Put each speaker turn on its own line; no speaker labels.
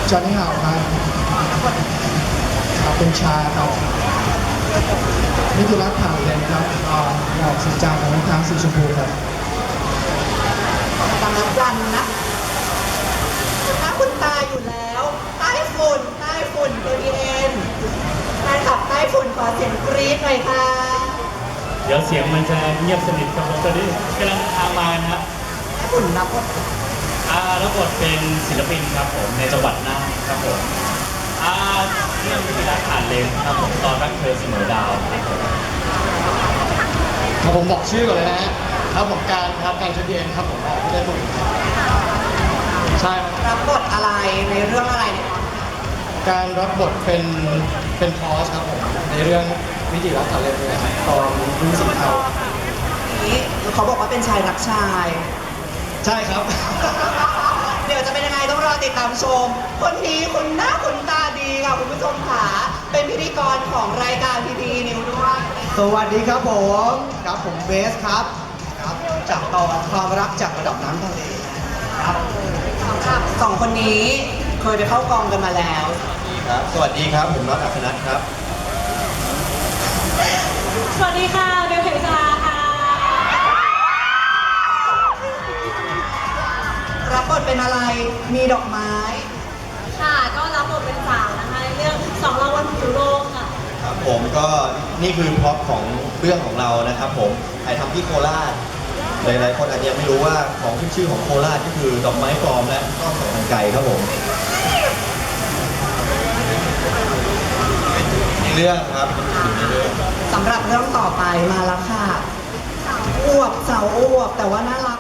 จอห์นนี่ฮาวครับเป็นชาครับนี่คือรักผ่านเลยครับหมอกสีจางของน้ำค้างสีชมพูครับ
สำนักวันนะถ้าคุณตาอยู่แล้วใต้ฝุ่นตัวดีเอ็นแฟนคลับใต้ฝุ่นขอเสียงกรี๊ดหน่อยค่ะ
เดี๋ยวเสียงมันจะเงียบสนิทครับผมตอนนี้กำลังทางมานะครับ
ใต้ฝุ่นรับบท
รับบทเป็นศิลปินครับผมในจังหวัดน่านครับผมเรื่องวิธีการผ่านเลนครับผมตอนรักเธอเสมอดาวครับผม
ผมบอกชื่อก่อนเลยนะฮะครับผมการชุดเย็นครับผมไม่ได้พูดใช่ครับ
รับบทอะไรในเรื่องอะไรเนี่ย
การรับบทเป็นพอสครับผมในเรื่องวิจิรักษ์ทะเลเลยครับตอนรุ่งสีเทา
นี้เขาบอกว่าเป็นชายรักชาย
ใช่ครับ
เดี๋ยวจะเป็นยังไงต้องรอติดตามชม คนนี้คุณหน้าคุณตาดีค่ะคุณผู้ชมค่ะเป็นพิธีกรของรายการพีพีนิวด้วย
สวัสดีครับผมเบสครับจากตอนความรักจากระดับน้ำทะเลครับ
สำหรับสองคนนี้เคยไปเข้ากองกันมาแล้ว
ครับสวัสดีครับผมน็อตอัครนัทครับ
สวัสดีค่ะเบลเพชราค่ะ
รับบทเป็นอะไรมีดอกไม้
ค่ะก็รับบทเป็นสาวนะคะในเรื่อง2 รางวัลผิวโลกค่ะ
ครับผมก็นี่คือพร็อพของเรื่องของเรานะครับผมถ่ายทำที่โคราชหลายๆคนอาจจะยังไม่รู้ว่าของขึ้นชื่อของโคราชก็คือดอกไม้ปลอมและก้อนสองพันไก่ครับผมในเรื่องครับในเรื่อง
สำหรับเรื่องต่อไปมาแล้วค่ะสาวอวบแต่ว่าน่ารัก